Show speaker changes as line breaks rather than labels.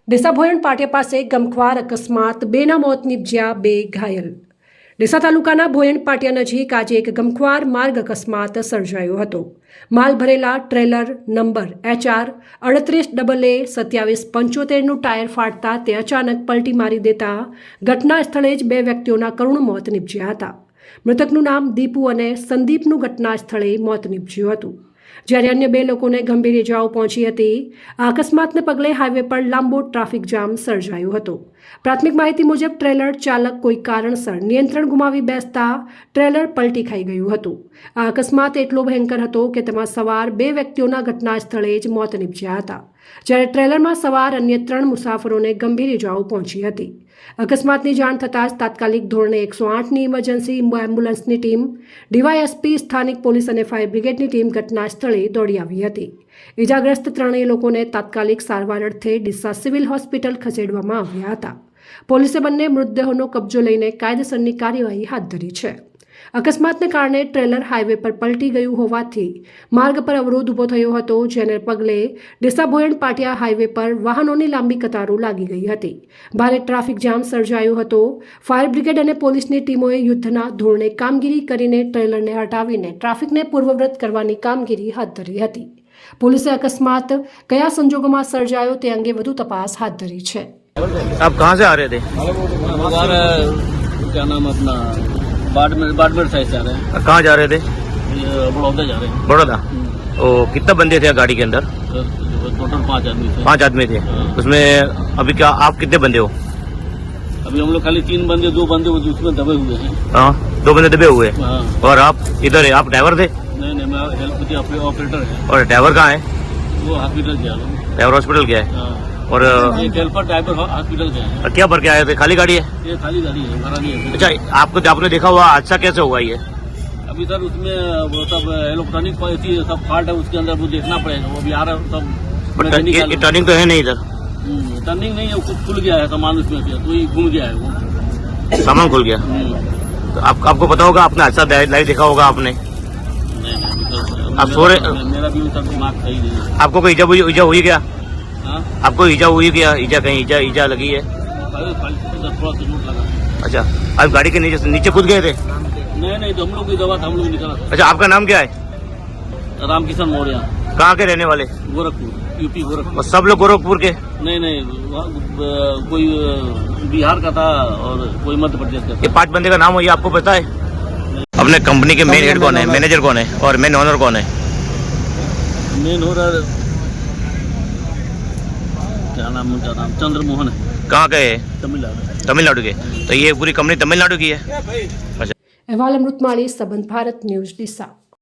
ડીસા ભોયણ પાટિયા પાસે ગમખ્વાર અકસ્માત, બેના મોત નીપજ્યા, 2 ઘાયલ। ડીસા તાલુકાના ભોયણ પાટિયા નજીક આજે એક ગમખ્વાર માર્ગ અકસ્માત સર્જાયો હતો। માલ ભરેલા ટ્રેલર નંબર HR 38AA 2775નું ટાયર ફાટતા તે અચાનક પલટી મારી દેતા ઘટના સ્થળે જ 2 વ્યક્તિઓના કરુણ મોત નીપજ્યા હતા। મૃતકનું નામ દીપુ અને સંદીપનું ઘટના સ્થળે મોત નીપજ્યું હતું, જ્યારે અન્ય 2 લોકોને ગંભીર ઇજાઓ પહોંચી હતી। આ અકસ્માતને પગલે હાઈવે પર લાંબો ટ્રાફિક જામ સર્જાયો હતો। પ્રાથમિક માહિતી મુજબ ટ્રેલર ચાલક કોઈ કારણસર નિયંત્રણ ગુમાવી બેસતા ટ્રેલર પલટી ખાઈ ગયું હતું। આ અકસ્માત એટલો ભયંકર હતો કે તેમાં સવાર 2 વ્યક્તિઓના ઘટના સ્થળે જ મોત નીપજ્યા હતા, જ્યારે ટ્રેલરમાં સવાર અન્ય 3 મુસાફરોને ગંભીર ઇજાઓ પહોંચી હતી। અકસ્માતની જાણ થતાં જ તાત્કાલિક ધોરણે 108ની ઇમરજન્સી એમ્બ્યુલન્સની ટીમ, ડીવાયએસપી, સ્થાનિક પોલીસ અને ફાયર બ્રિગેડની ટીમ ઘટના સ્થળે દોડી આવી હતી। ઇજાગ્રસ્ત 3 લોકોને તાત્કાલિક સારવાર અર્થે ડીસા સિવિલ હોસ્પિટલ ખસેડવામાં આવ્યા હતા। પોલીસે બંને મૃતદેહોનો કબજો લઈને કાયદેસરની કાર્યવાહી હાથ ધરી છે। અકસ્માતને કારણે ટ્રેલર હાઈવે પર પલટી ગયું હોવાથી માર્ગ પર અવરોધ ઊભો થયો હતો, જેને પગલે ડીસા ભોયણ પાટિયા હાઈવે પર વાહનોની લાંબી કતારો લાગી ગઈ હતી। ભારે ટ્રાફિક જામ સર્જાયો હતો। ફાયર બ્રિગેડ અને પોલીસની ટીમોએ યુદ્ધના ધોરણે કામગીરી કરીને ટ્રેલરને હટાવીને ટ્રાફિકને પૂર્વવૃત કરવાની કામગીરી હાથ ધરી હતી। પોલીસે અકસ્માત કયા સંજોગોમાં સર્જાયો તે અંગે વધુ તપાસ હાથ ધરી છે।
आप कहाँ से आ रहे थे?
क्या नाम अपना बाड़मेर साइड से आ रहे हैं।
कहाँ जा रहे थे?
बड़ौदा जा रहे हैं।
बड़ौदा। तो कितने बंदे थे गाड़ी के अंदर?
टोटल 5 आदमी थे।
5 आदमी थे। उसमें अभी क्या आप कितने बंदे हो?
अभी हम लोग खाली 3 बंदे, 2 बंदे उसमें दबे हुए हैं।
हाँ, 2 बंदे दबे हुए।
हाँ।
और आप इधर है, आप ड्राइवर थे?
नहीं, मैं हेल्प ऑपरेटर है।
और ड्राइवर कहाँ है?
वो हॉस्पिटल गया।
ड्राइवर हॉस्पिटल गया है।
हाँ।
और
हेल्पर ड्राइवर हॉस्पिटल गया है।
क्या भर के आए थे? खाली गाड़ी है?
ये खाली गाड़ी है, भरा नहीं है।
अच्छा, आपने देखा हुआ हादसा कैसे हुआ ये?
अभी सर उसमें वो सब इलेक्ट्रॉनिक सब फॉल्ट है, उसके अंदर वो देखना पड़ेगा। वो भी आ रहा है सब।
ये टर्निंग तो है नहीं इधर?
टर्निंग नहीं है, खुल गया है सामान उसमें से, तो ही घूम गया है वो
सामान खुल गया। तो आपको पता होगा, आपने हादसा लाइव देखा होगा आपने?
नहीं,
आप सो रहे?
मेरा भी सब दिमाग सही नहीं है।
आपको कोई ईजा हुई क्या?
हाँ?
आपको ईजा हुई क्या? ईजा कहीं ईजा लगी है?
थोड़ा सा चोट लगा।
अच्छा, आप गाड़ी के नीचे कूद गए थे?
नहीं, तो हम लोग की दवा था, हम लोग निकला।
अच्छा, आपका नाम क्या है?
रामकिशन मौर्य।
कहाँ के रहने वाले?
गोरखपुर, यूपी गोरखपुर।
और सब लोग गोरखपुर के?
नहीं, कोई बिहार का था और कोई मध्य प्रदेश का था।
ये 5 बंदे का नाम हो, ये आपको पता है? अपने कंपनी के मेन हेड कौन है, मैनेजर कौन है और मेन ओनर कौन है?
मेन ओनर क्या नाम उनका? नाम चंद्रमोहन है।
कहाँ के है?
तमिलनाडु
के। तो ये पूरी कंपनी तमिलनाडु की है? अच्छा।
अहवाल अमृतमाली, संबंध भारत न्यूज, ડીસા।